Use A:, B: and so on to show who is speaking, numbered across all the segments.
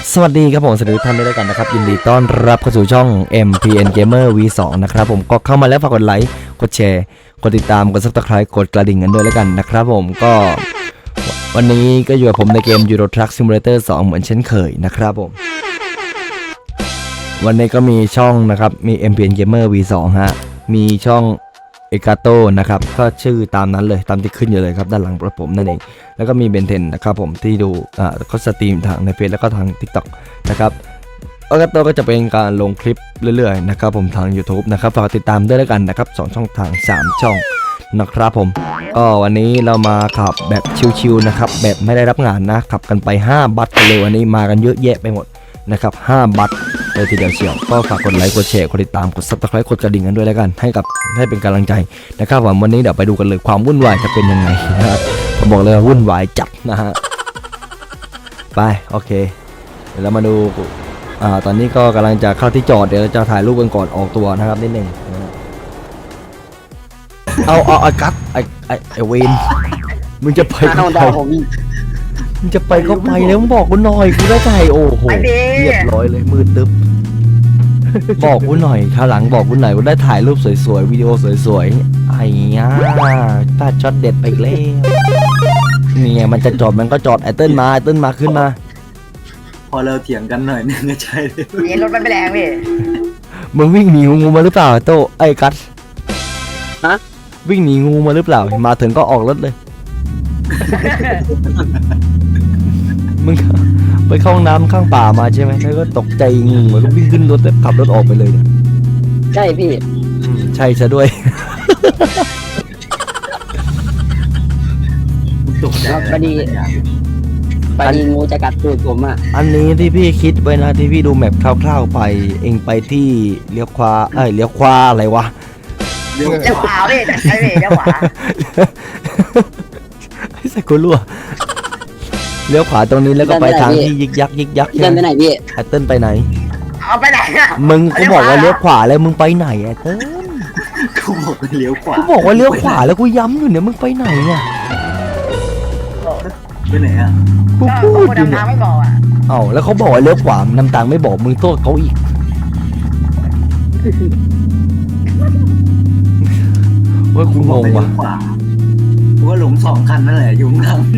A: สวัสดีครับผมสวัสดีทุกท่านด้วยกันนะครับยินดีต้อนรับเข้าสู่ช่อง MPN Gamer V2 นะครับผมก็เข้ามาแล้วฝากกดไลค์กดแชร์กดติดตามกด Subscribe กดกระดิ่งกันด้วยแล้วกันนะครับผมก็วันนี้ก็อยู่กับผมในเกม Euro Truck Simulator 2เหมือนเช่นเคยนะครับผมวันนี้ก็มีช่องนะครับมี MPN Gamer V2 ฮะมีช่องเอกาโตนะครับก็ชื่อตามนั้นเลยตามที่ขึ้นอยู่เลยครับด้านหลังผมนั่นเองแล้วก็มีเบนเทนนะครับผมที่ดูเขาสตรีมทางในเฟซแล้วก็ทาง TikTok นะครับเอกาโตก็จะเป็นการลงคลิปเรื่อยๆนะครับผมทาง YouTube นะครับฝากติดตามด้วยแล้วกันนะครับ2ช่องทาง3ช่องนะครับผมก็วันนี้เรามาขับแบบชิวๆนะครับแบบไม่ได้รับงานนะขับกันไป5บัตเลยวันนี้มากันเยอะแยะไปหมดนะครับ5บัตเลยทีเดียวเชียวก็ฝากกดไลค์กดแชร์กดติดตามกด Subscribe กดกระดิ่งกันด้วยแล้วกันให้เป็นกำลังใจนะครับวันนี้เดี๋ยวไปดูกันเลยความวุ่นวายจะเป็นยังไงนะครับผมบอกเลยว่าวุ่นวายจัดนะฮะไปโอเคเดี๋ยวเรามาดูตอนนี้ก็กำลังจะเข้าที่จอดเดี๋ยวเราจะถ่ายรูปกันก่อนออกตัวนะครับนิดนึงเอาไอ้กั๊ดไอ้เวนมึงจะไปก็ไปมึงจะไปก็ไปแล้วมึงบอกกูหน่อยกูได้ใจโอ้โหเรียบร้อยเลยมืดตึ๊บบอกกูหน่อยคราวหลังบอกกูหน่อยกูได้ถ่ายรูปสวยๆวิดีโอสวยๆไอ้เงี้ยพลาดช็อตเด็ดไปอีกแล้วนี่ไงมันจะจอดมันก็จอดไอ้เติ้ลมาขึ้นมา
B: พอเราเถียงกันหน่อยนึงก็ใช่เลย
C: นี่รถมันไม่แรงพี่
A: มึงวิ่งหนีงูมาหรือเปล่าโตไอ้กัส
C: ฮะ
A: วิ่งหนีงูมาหรือเปล่ามาถึงก็ออกรถเลยมึงไปเข้าห้องน้ำข้างป่ามาใช่ไหมแล้วก็ตกใจงูแล้วก็วิ่งขึ้นรถแล้วขับรถออกไปเลยเนี่ย
C: ใช่พี่
A: ใช่ซะด้วย
B: ตกใจ
C: พอดีงูจะกัดตูดผมอ่ะ
A: อันนี้ที่พี่คิดไว้นะที่พี่ดูแมพคร่าวๆไปเองไปที่เลี้ยวขวาอะไรวะ
C: เลี้ยวขวาพี่ใช่พี่เลี้ยวขวา
A: ไอ้สักกูรั่วเลี้ยวขวาตรงนี้แล้วก็ไปทางที่ยิกยัก
C: เดินไปไหนพี่
A: ไอ้เติ้ลไปไหน
C: เอาไปไหนอ่ะ
A: มึงกูบอกว่าเลี้ยวขวาแล้วมึงไปไหนไอ้เติ้ล
B: กูบอกว่าเลี้ยวขวา
A: กูบอกว่าเลี้ยวขวาแล้วกูย้ำอยู่เนี่ยมึงไปไหนเนี่ย
B: ไปไหนอ่ะ
A: กูพูดอยู่
C: เนี่ยไม่บอกอ่ะ
A: เอ้าแล้วเขาบอกว่าเลี้ยวขวาน้ำตาลไม่บอกมึงโทษเขาอีกว่ากูงงว่ะ
B: กูว่าหลง2 คันนั่นแหละยุ่งข้าง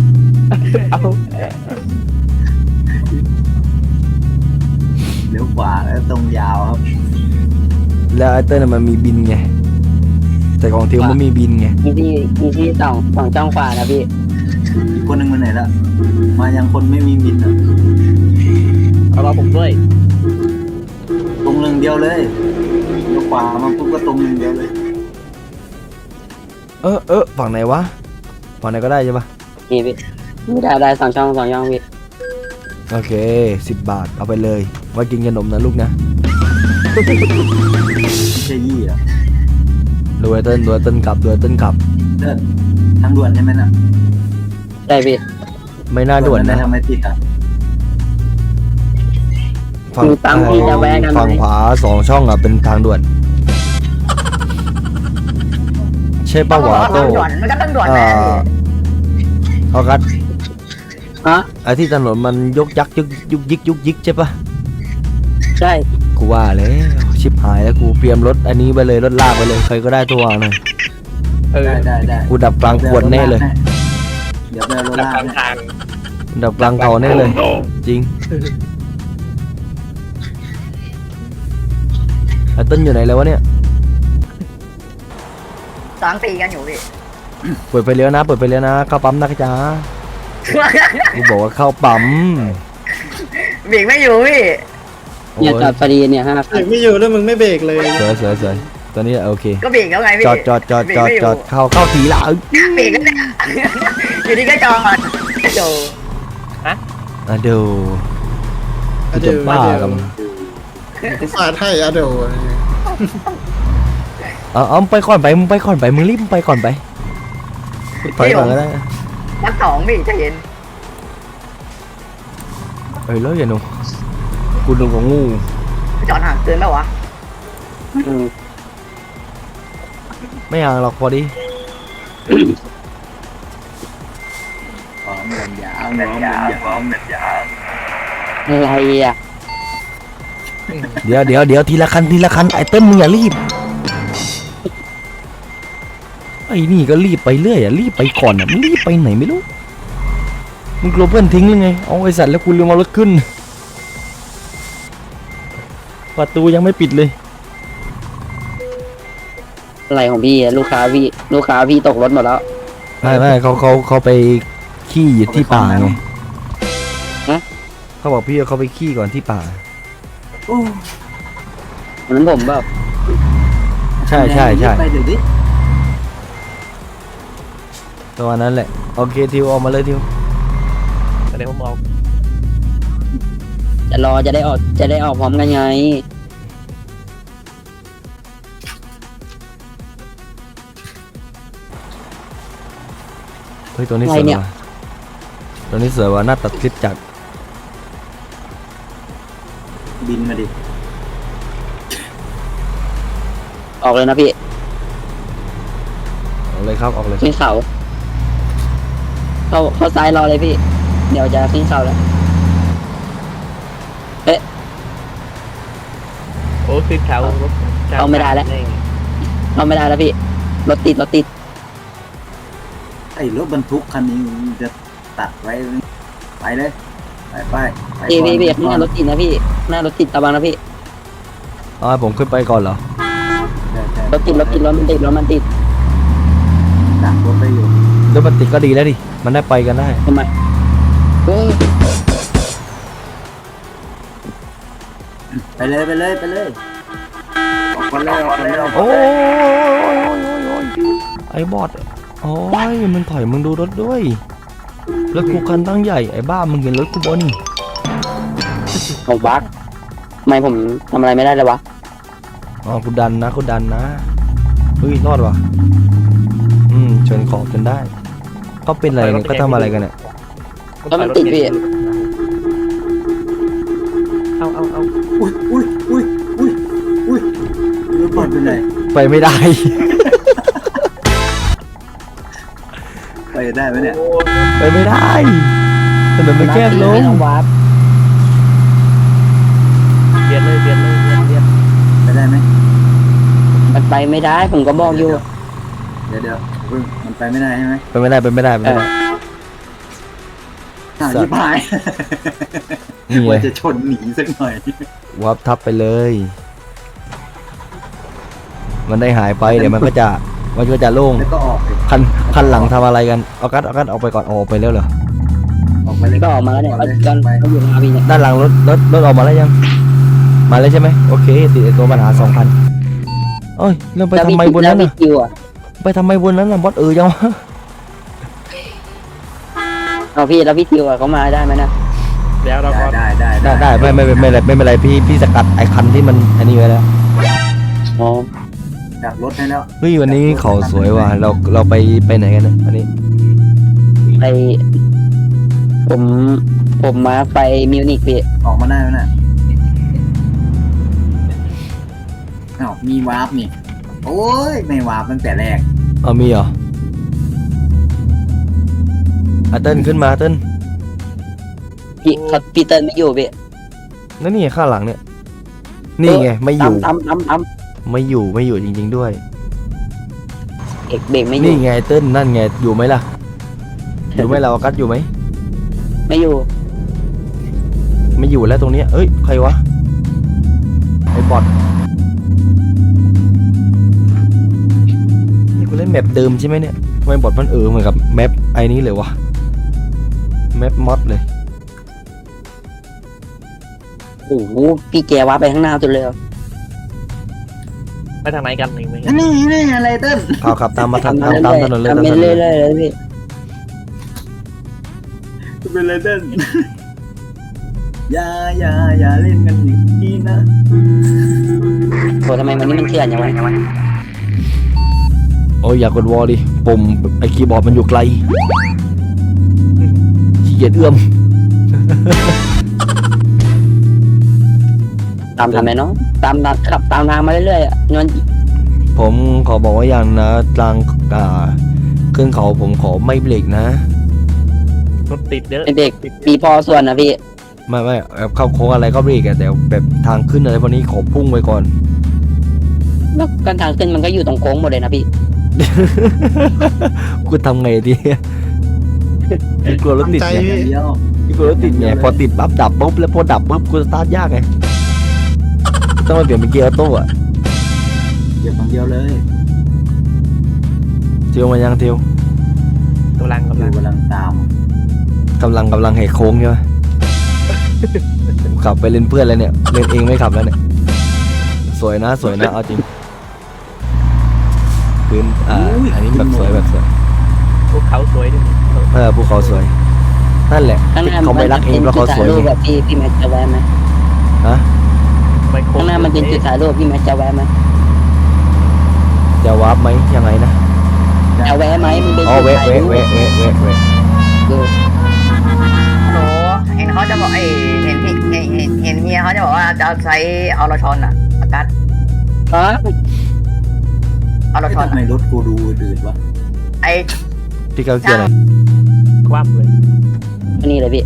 B: เลี้ยวขวาแล้วตรงยาวครับ
A: แล้วไอ้เต้นมันมีบินไงแต่ของเทียวมันมีบินไง
C: มีที่สองจ้องขวานะพี่
B: อีกคนนึงมาไหนละมายังคนไม่มีบินอ่ะ
C: เอามาผมด้วย
B: ตรงเดียวเลยเลี้ยวขวามาปุ๊บก็ตรงเดียวเลย
A: ฝั่งไหนวะฝั่งไหนก็ได้ใช่ปะ
C: นี่พี่ได้2 ช่องพี่
A: โอเค10 บาทเอาไปเลยไว้กินขนมนะลูกนะ
B: ใช่ยี่อ่ะ
A: ดูไอ้เติ้ลกลับ
B: ทางด่วนใช่ไหมน่ะ
C: ได้พี่
A: ไม่น่าด่วนนะ
B: ทำไมติดอ่ะ
A: ฝั่งขวา2 ช่องอ่ะเป็นทางด่วนใช่ป่าววะโต้
C: มันก็ต้องด่วนนะ
A: เอากัด
C: ฮะ
A: ไอ้ที่ถนนมันยุกยิกใช่ปะ
C: ใช่
A: กูว่าเลยชิบหายแล้วกูเตรียมรถอันนี้ไปเลยรถลากไปเลยใครก็ได้ตัวหน่อย
B: ได้
A: กูดับกลางขวดแน่เลย
B: เดี๋ยวไปรถลาก
A: ดับกลางเขาแน่เลยจริงไอ้ต้นอยู่ไหนแล้ววะเนี่ย
C: 2 ปีกันอยู่พี่
A: เปิดไฟเลี้ยวนะเข้าปั๊มนะจ๊ะกูบอกว่าเข้าปั๊ม
C: เบรกไม่อยู่พี่เนี่ยจอดพอดีเนี่ย5
D: เบรกไม่อยู่แล้วมึงไม่เบรกเลย
A: สวยตอนนี้โอเค
C: ก็เบรกแล้วไงพี่
A: จอดเข้าทีละ
C: เบรกแล้วเนี่ยอยู่ดีก็จอดโด
A: จะบ้ากัน
D: ฟาดให้อะเดี๋ยว
A: เอาไปก่อนไปมึงรีบไปก่อนไปถอยก่อนก็ได้
C: นัก2พี่จะเห็น
A: แล้วอย่าหนูกูดูของงู
C: จอดห่างเกินแล้ววะ
A: ไม่ห่างหรอกพอดี
B: พร้อมกันยาว
C: อะไรอ่ะ
A: เดี๋ยวทีละคันไอ้เติ้ลมึงอย่ารีบไอ้นี่ก็รีบไปเรื่อยรีบไปก่อนมึงรีบไปไหนไม่รู้มึงกลัวเพื่อนทิ้งหรือไงเอาไอ้สัตว์แล้วกูลืมเอารถขึ้นประตูยังไม่ปิดเลย
C: อะไรของพี่อะลูกค้าพี่ตกรถหมดแล้ว
A: ไม่เขาไปขี้อยู่ที่ป่าไง
C: ฮะ
A: เขาบอกพี่ว่าเขาไปขี้ก่อนที่ป่า
B: โอ้
C: วันนั้นผมแบบ
A: ใช่
B: ไปเดี๋ยวดิ
A: ตัวนั้นแหละโอเคทิวออกมาเลยทิว
E: เดี๋ยวผมเอา
C: จะรอจะได้ออกพร้อมกันไง
A: เฮ้ยตัวนี้สวยว่ะตัวนี้สวยว่ะน่าตัดคลิปจาก
B: บินมาดิ
C: ออกเลยนะพี่
A: ออกเลยครับออกเลย
C: ขึ้นเขาเข้าซ้ายรอเลยพี่ เดี๋ยวจะขึ้นเขาแล้ว
E: โอ้คือเขารถ
C: เอาไม่ได้แล้ว เข้าไม่ได้แล้วพี่รถติด
B: ไอ้รถบรรทุกคันนี้มันจะตัดไว้ไปเลยไป
C: พี่
B: ก่อน
C: พี่ข้างหน้ารถติดนะพี่หน้ารถติดระวังนะพี่
A: อ๋อให้ผมขึ้นไปก่อนเหรอ
B: ใช่
C: รถมันติด
B: ดักรถไปอยู่
A: รถมันติดก็ดีแล้วดิมันได้ไปกันได้
C: ทำไมโอ้ย
B: ไปเลยออกมาแล้ว
A: โอ้ยไอ้บอดโอ้ยมันถอยมึงดูรถด้วยรถกูคันตั้งใหญ่ไอ้บ้ามึงเห็นรถกูบน
C: ผมบักทำไมผมทำอะไรไม่ได้เลยวะ
A: อ๋อกูดันนะเฮ้ยรอดว่ะชนขอบจนได้เขาเป็นอะไรกันก็ทำอะไรกันเนี่ย
C: แล้วมันติดพี่
E: เอา
B: อุ้ยรถบอลเป็นไร
A: ไปไม่ได้
B: ไปได้ไหมเนี่ย
A: ไปไม่ได้ถนนมันแคบลง
C: ไม่ต้องวาร์ป
E: เบียดเลย
B: ไปได้ไหม
C: มันไปไม่ได้ผมก็บอกอยู่
B: เดี๋ยวมันไปไม่ได้ใช่ไหม
A: ไปไม่ได้
B: ชิบหาย
A: นี่ไง
B: ว่าจะชนหนีสักหน่อย
A: วับทับไปเลย มันได้หายไปเดี๋ยวมันก็จะโล่ง
B: แล้วก็ออกไป
A: คันหลังทำอะไรกันเอากัดออกไปก่อนออกไปแล้วเหรอ
B: ออกไปเลย
C: ก็ออกมาแล้วเนี่ย
B: ออกเลย
C: กันเขาอยู่หน้าพี่เนี่ย
A: ด้านหลังรถออกมาแล้วยังมาแล้วใช่ไหมโอเคติดไอ้ตัวปัญหา2,000เอ้ยเราไปทำไมบนนั้น
C: แล้ว
A: น่ะ
C: พี่คิวอ่ะ
A: ไปทำไมบนนั้นน่ะบอสจังวะ
C: เอาพี่แล้วพี่คิวอ่ะเขามาได้ไหมนะ
E: แล้วเราก็
B: ได้
A: ไม่เป็นไรพี่สกัดไอ้คันที่มันอันนี้ไว้แล้ว
C: อ๋อ
B: ดักรถให้แล้ว
A: เฮ้ยวันนี้เขาสวยว่ะเราไปไหนกันเนี่ยอันนี้
C: ไปผมมาไปมิวนิกพี่
B: ออกมาได้แล้วน่ะอ้าวมีวาร์ปนี่โอ้ยไม่วาร์ปตั้งแต่แรก
A: เอามีเหรอเติ้ลขึ้นมาเติ้ล
C: พี่เติ้ลไม่อยู่พี่
A: นั่นนี่ไงข้างหลังเนี่ยนี่ไงไม่อยู่
C: ตาม
A: ไม่อยู่จริงๆด้วย
C: เอกเบรกไม่อ
A: นี่
C: ยู่
A: ไงเติ้ลนั่นไงอยู่ไหมล่ะอยู่ไหมเรากัดอยู่ไหม
C: ไม่อยู่
A: ไม่อยู่แล้วตรงเนี้ยเอ้ยใครวะไอ้บอทนี่กูเล่นแมปเดิมใช่ไหมเนี่ยทำไมบอทมันเหมือนกับแมปไอ้นี้เลยวะแมปมอดเลย
C: โอ้โหพี่แกว่าไปข้างหน้าสุดเลย
E: ไปทางไหนกันหนึ่งไหม
B: นี่อะไรเต้น
A: ขับตามมาตามถนนเลย
C: ทำ
A: ตาม
C: ไป
A: ถนน
C: เรื่
A: เล
C: อย
A: ย
C: ๆเลยพี่
B: เป็นไรเต้นอย่าเล่นกันอย่างนี้นะ
C: โหทำไมวันนี้มันเถื่อนอย่างวะ
A: โอ้ยอยากกดวอลดิปุ่มไอ้คีย์บอร์ดมันอยู่ไกลขี้เกียจเอื้อม
C: ตามทำไมเนาะขับตามทางมาเรื่อยๆอ่ะนวล
A: ผมขอบอกว่าอย่างนะกลางขึ้นเขาผมขอไม่เบรกนะ
E: รถติดเยอะ
C: เบรกปีพอส่วนนะพี่
A: ไม่แบบเข้าโค้งอะไรก็เบรกอะแต่แบบทางขึ้นอะไรพวกนี้ขอพุ่งไปก่อน
C: แล้วกันทางขึ้นมันก็อยู่ตรงโค้งหมดเลยนะพี่
A: กูทำไงดีกูกลัวรถติด
D: ทำใจ
A: ไง
B: อย่างเดียว
A: กูกลัวรถติดไงพอติดปั๊บดับปุ๊บแล้วพอดับปุ๊บกูสตาร์ทยากไงต้องมาเปลี่ยนเป็นเกียร์ออโต้อะ
B: เก็บอย่างเดียวเลย
A: เทียวมายังเทียว
E: กำลัง
B: อยู่กำลังตาม
A: กำลังแหกโค้งใช่ไหม ขับไปเล่นเพื่อนแล้วเนี่ยเล่นเองไม่ขับแล้วเนี่ยสวยนะเอาจริงพื้นอันนี้แบบสวย
E: พวกเขาสวยด้วย
A: ภูเขาสวยนั่นแหละ
C: ข้างหน้า
A: เขาไม่รักเองเพราะเขาสวย
C: จุดถ่ายรูป
A: ไง
C: แบบพี่แม็กจะแวะไหม
A: ฮะ
E: ไม่โค้
C: ข้างหน้ามันเป็นจุดถ่ายรูปพี่แม็กจะแวะไหม
A: จะวาร์ปไหมยังไงนะ
C: จะแวะไหมมันเป็น
A: อ๋อ
C: จุด
A: เวะ
C: ถ่ายรูป เออ
F: โหเห็นเขาจะบอกเห็นพี่เห็นเฮียเขาจะบอกว่าจะใช้ออรชอนอะอากาศ
C: อ๋อ
F: ออรชอน
B: ทำไมรถกูดูอื่นวะ
F: ไอ
A: พี่เขาเกียร์อะไร
E: คว่ำเลย
C: อันนี้เลยพี่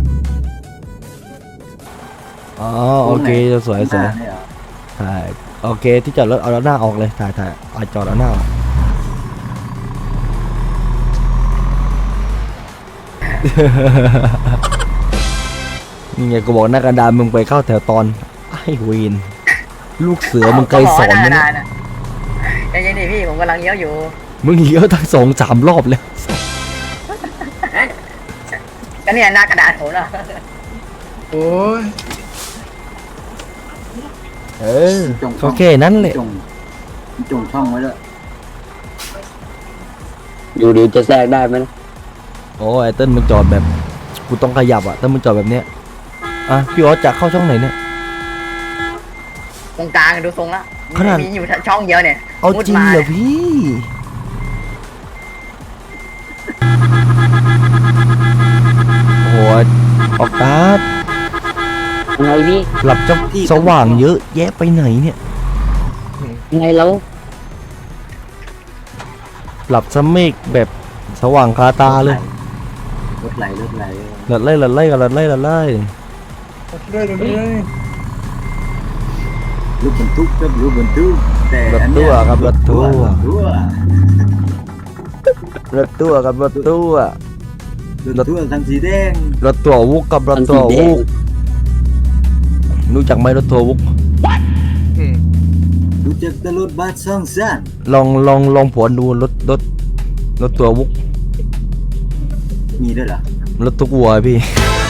A: อ๋อโอเคสวย
B: หน้าเนี่ยเหรอ
A: ถ่ายโอเคที่จอดรถเอาหน้าออกเลยถ่ายเอาจอดเอาหน้าออก นี่ไงกูบอกหน้ากระดานมึงไปเข้าแถวตอนไอ้เวนลูกเสือมึงเคยสอนไหมเนี่ย
F: ยังไงนี่พี่ผมกำลังเลี้ยวอยู่
A: มึงเลี้ยวทั้ง2-3 รอบแล้ว
F: ก็เนี่ยหน้ากระดาษผมนะ
D: โอ้ย
A: เออโอเคนั่นแหละ
B: จงช่องไว้ด้วย
C: อยู่ดีจะแทรกได้ไหมนะ
A: โอ้ไอ้เติ้ลมึงจอดแบบกูต้องขยับอ่ะถ้ามึงจอดแบบเนี้ยอ่ะพี่ออสจะเข้าช่องไหนเนี่ย
F: ตรงกลางดูทรงละ
A: ขนาด
F: มีอยู่ช่องเดียวเนี่ย
A: เอา
F: มุด
A: จริง
F: มา
A: เหรอพี่โอ้ยออกการ์ด
C: ยังไงพี่
A: หลับจะสว่างเยอะแยะไปไหนเนี่ย
C: ยังไงแล้ว
A: หลับสเมกแบบสว่างคาตาเลย
B: รถไหล
A: หลัดไล่กันหลัดไล่
B: ลูกบรรทุกครับลูกบรรทุกแต่
A: รถ
B: อัน
A: ตู้
B: เนี้ย
A: ครับรถตู้
B: รถตู้
A: รถตู้กับรถตู้
B: รถตู้คันสีแดง
A: รถตัววุกกับรถตัววุกรู้จักไหมรถตัววุก
B: รู้จักแต่รถบัสซ่องซ่าน
A: ลองผวนดูรถตัววุก
B: มีด้วยเหรอ
A: รถตุกวัวพี่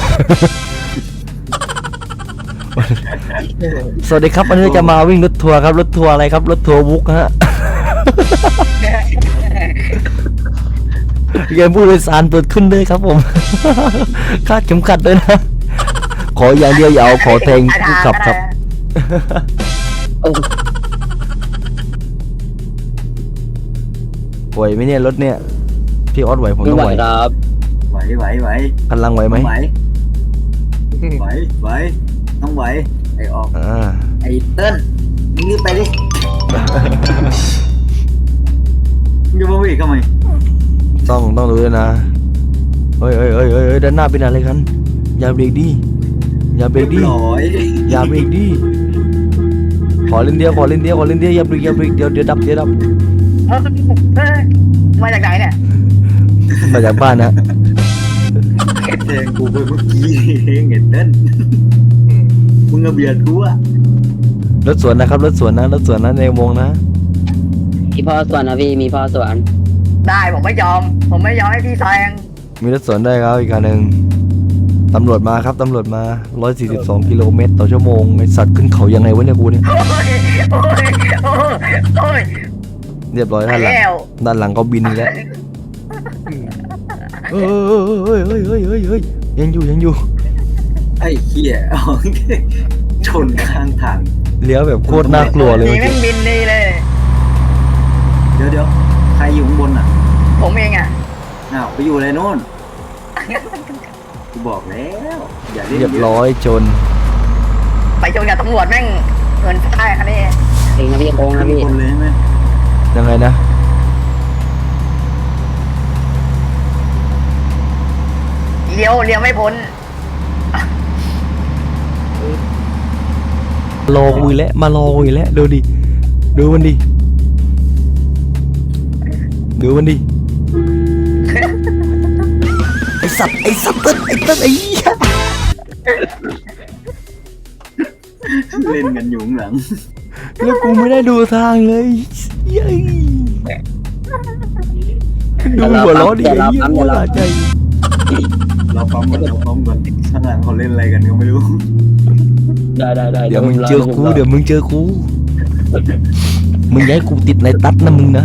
A: สวัสดีครับวันนี้จะมาวิ่งรถทัวร์ครับรถทัวร์อะไรครับรถทัวร์วุกฮะ เกมผู้โดยสารเปิดขึ้นด้วยครับผม คาดเข็มขัดด้วยนะ ขออย่างเดียวอย่าเอาขอแทงผู้ขับครับ
C: โอ้
A: ไหวไหมเนี่ยรถเนี่ยพี่ออสไหวผม
C: ไม่
A: ต้อง
C: ไหว
A: ไหว
C: ครับ
B: ไหว
A: กำลังไหวไหม
B: ไหวต้องไหวไอออก
A: อ่า
B: ไอเติ้ลมึงรีบไปดิมึงจะมาวิ่งทำไม
A: ต้องดูด้วยนะเฮ้ยด้านหน้าเป็นอะไรกันอย่าเบรกดิอย่าเบรกดิ
B: ร้อย
A: อย่าเบรกดิขอเล่นเดียวอย่าเบรกเดี๋ยวดับ
F: เฮ้ยมาจากไหนเนี่ย
A: มาจากบ้านนะ
B: แทงกูไปเมื่อกี้เองไอเติ้ลมึงเอาเบียดกูอะ
A: รถสวนนะครับรถสวนนะในวงนะ
C: มีพ่อสวนนะพี่มีพ่อสวน
F: ได้ผมไม่ยอมให้พี่แซง
A: มีรถสวนได้วยครับอีกคันหนึ่งตำรวจมาครับตำรวจมา142 กิโลเมตรต่อชั่วโมงไอสัตว์ขึ้นเขายังไงวะเนี่ยกูเนี่ย
F: โอ้ย
A: เรียบร้อย
F: ไป
A: ด้านหลัง
F: แล้ว
A: ก็บินอีกแล้วเฮ้ยยังอยู่
B: ไอ้เหี้ยชนข้างทาง
A: เลี้ยวแบบโคตรน่ากลัวเลย
F: นี่
A: เมื่อ
F: แม่
A: กี้
F: งบินดีเลย
B: เดี๋ยวใครอยู่ข้างบนอ่ะ
F: ผมเองอ่ะ
B: อ้าวไปอยู่อะไรโน่นกูบอกแล้วอย่าเล่น
A: เรียบ
B: เยอะ
A: ร้อยจน
F: ไปชนกับตำรวจแม่งเงินได้คันนี้
C: เองนะพี่โค้งนะพี่
B: คนเลยใช่ไหม
A: ยังไงนะ
F: เลี้ยวไม่พ้น
A: รอกูอีกแล้วมารอกูอีกแล้วดูดิดูมันดิดูมันดิไอสัตว์เต้นไอ้เหี้ย
B: เล่นกันอยู่ข้างหลัง
A: แล้วกูไม่ได้ดูทางเลยเย้ยดูหัวล้อดิไอ้เหี้ยหัวละใจ
B: เราปั๊มก่อนข้างหลังเขาเล่นอะไรกันก็ไม่รู้
C: ได้
A: เดี๋ยวมึงเจอกูมึงย้ายกูติดในตัดนะมึงนะ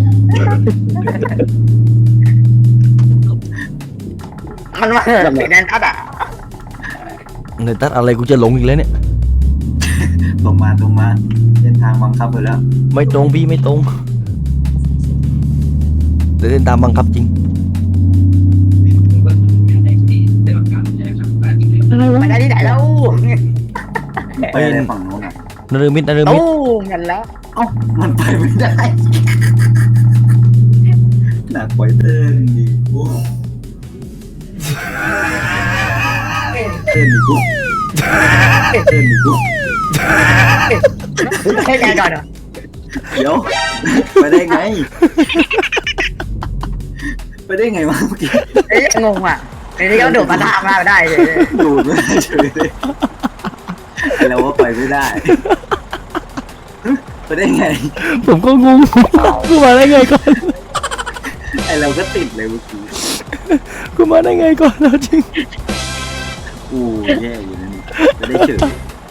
F: มันมาติดแนนทัดอ่ะ
A: ในตัดอะไรกูจะหลงอีกแล้วเนี่ย
B: ตรงมาเส้นทางบังคับไปแล้ว
A: ไม่ตรงพี่ไม่ตรงแต่เดินตามบังคับจริง
F: ไปได้ที่ไหนแล้ว
B: ไปอะไรฝั่งโน้นอ่ะ
A: นฤมิต
F: ตู้กันแล้ว
B: เอ้ามันไปไม่ได้หนักกว่าเต้นดิโอ้เต้นดิกู
F: ให้ไงก่อนเหรอ
B: เดี๋ยวไปได้ไงวะเมื่อกี้
F: ไอ้งงอ่ะไอ้นี่ก็โดดมาทางมาได้เลย
B: ดูดไม่ได้เฉยเลยเราว่าไปไม่ได้ไปได้ไง
A: ผมก็งงกูมาได้ไงก่อน
B: ไอเราก็ติดเลยเมื่อกี้
A: กูมาได้ไงก่อนแล้วจริง
B: กูแย่อยู่นั่นไม่ได้เฉย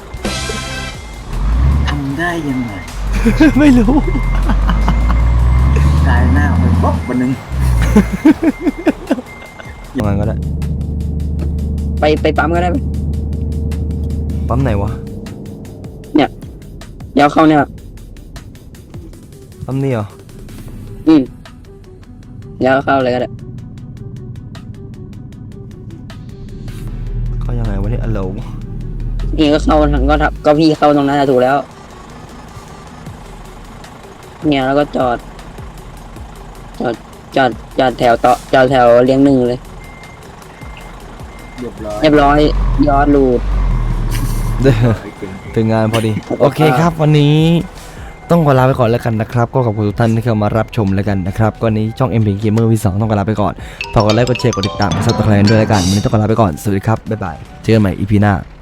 B: ทำได้ยังไง
A: ไม่รู้
B: กายหน้าไปบ๊อบวันนึง
A: ยังไงก็ได้
C: ไปปั๊มก็ได้ไหม
A: ปั๊มไหนวะ
C: เดี๋ยวเข้าเนี่ย
A: ปั๊มนี่เหรอ
C: เดี๋ยวเข้าเลยก็ได้
A: เขายังไงวะเนี่ยอัลโหล
C: นี่ก็เข้าทางก็พี่เข้าตรงนั้นถูกแล้ว เนี่ยแล้วก็จอดแถวต่อจอดแถวเลี้ยงหนึ่งเลย
B: เรียบร้อย
C: เรียบร้อยยอดรูด
A: ถึงงานพอดี โอเคครับวันนี้ต้องขอลาไปก่อนแล้วกันนะครับก็ขอบคุณทุกท่านที่เข้ามารับชมแล้วกันนะครับก็นี้ช่อง MP Gamer V2 ต้องขอลาไปก่อนฝากกดไลค์กดแชร์กดติดตามกด Subscribe ด้วยแล้วกันวันนี้ต้องขอลาไปก่อนสวัสดีครับบ๊ายบายเจอกันใหม่ EP หน้า